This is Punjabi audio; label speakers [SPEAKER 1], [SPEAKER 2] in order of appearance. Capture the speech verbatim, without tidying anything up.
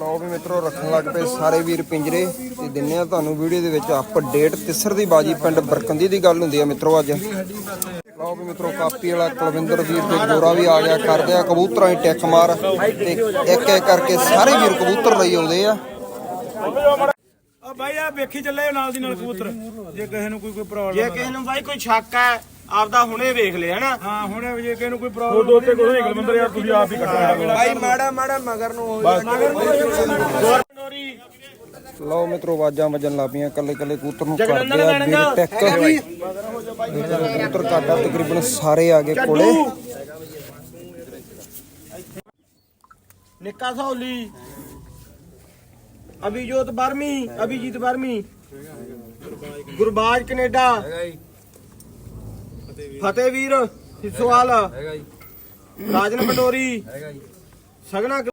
[SPEAKER 1] ਲਓ ਵੀ ਮਿੱਤਰੋ ਰੱਖਣ ਲੱਗ ਪਏ ਸਾਰੇ ਵੀਰ ਪਿੰਜਰੇ ਤੇ ਦਿੰਨੇ ਆ ਤੁਹਾਨੂੰ ਵੀਡੀਓ ਦੇ ਵਿੱਚ ਅਪਡੇਟ ਤਿਸਰ ਦੀ ਬਾਜੀ ਪਿੰਡ ਬਰਕੰਦੀ ਦੀ ਗੱਲ ਹੁੰਦੀ ਆ ਮਿੱਤਰੋ ਅੱਜ। ਲਓ ਵੀ ਮਿੱਤਰੋ ਕਾਪੀ ਵਾਲਾ ਕੁਲਵਿੰਦਰ ਵੀਰ ਤੇ ਗੋਰਾ ਵੀ ਆ ਗਿਆ ਕਰਦੇ ਆ ਕਬੂਤਰਾਂ ਦੀ ਟਿੱਕ ਮਾਰ ਤੇ ਇੱਕ ਇੱਕ ਕਰਕੇ ਸਾਰੇ ਵੀਰ ਕਬੂਤਰ ਲਈ ਆਉਂਦੇ ਆ।
[SPEAKER 2] ਆ ਬਾਈ ਆ ਵੇਖੀ ਚੱਲੇ ਨਾਲ ਦੀ ਨਾਲ ਕਬੂਤਰ ਜੇ ਕਿਸੇ ਨੂੰ ਕੋਈ ਕੋਈ ਪ੍ਰੋਬਲਮ
[SPEAKER 3] ਜੇ ਕਿਸੇ ਨੂੰ ਬਾਈ ਕੋਈ ਸ਼ੱਕ ਹੈ ਆਪਦਾ ਹੁਣੇ ਵੇਖ ਲੈ ਹਨਾ।
[SPEAKER 2] ਹਾਂ ਹੁਣੇ ਜੇ ਕਿਸੇ ਨੂੰ ਕੋਈ ਪ੍ਰੋਬਲਮ ਦੋ ਤੇ ਕੋਈ ਗਲਵੰਦਰ ਯਾਰ ਤੁਸੀਂ ਆਪ ਹੀ ਕੱਟਣਾ
[SPEAKER 1] ਭਾਈ ਮਾੜਾ ਮਾੜਾ ਮਗਰ ਨੂੰ ਲਓ ਮਿੱਤਰੋ ਆਵਾਜ਼ਾਂ ਵੱਜਣ ਲੱਗ ਪਈਆਂ ਕੱਲੇ ਕੱਲੇ ਕਬੂਤਰ ਨੂੰ ਕਰਦੇ ਆ ਵੀਰ ਟਿੱਕ ਕਬੂਤਰ ਕਾਟਾ ਤਕਰੀਬਨ ਸਾਰੇ ਆ ਗਏ ਕੋਲੇ।
[SPEAKER 3] ਨਿੱਕਾ ਸੌਲੀ ਅਭਿਜੋਤ ਬਰਮੀ ਅਭਿਜੀਤ ਬਰਮੀ ਗੁਰਬਾਜ ਕੈਨੇਡਾ ਫਤਿਹਵੀਰ ਸਿਸੋਵਾਲ ਰਾਜਨ ਪਟੋਰੀ ਸਗਣਾ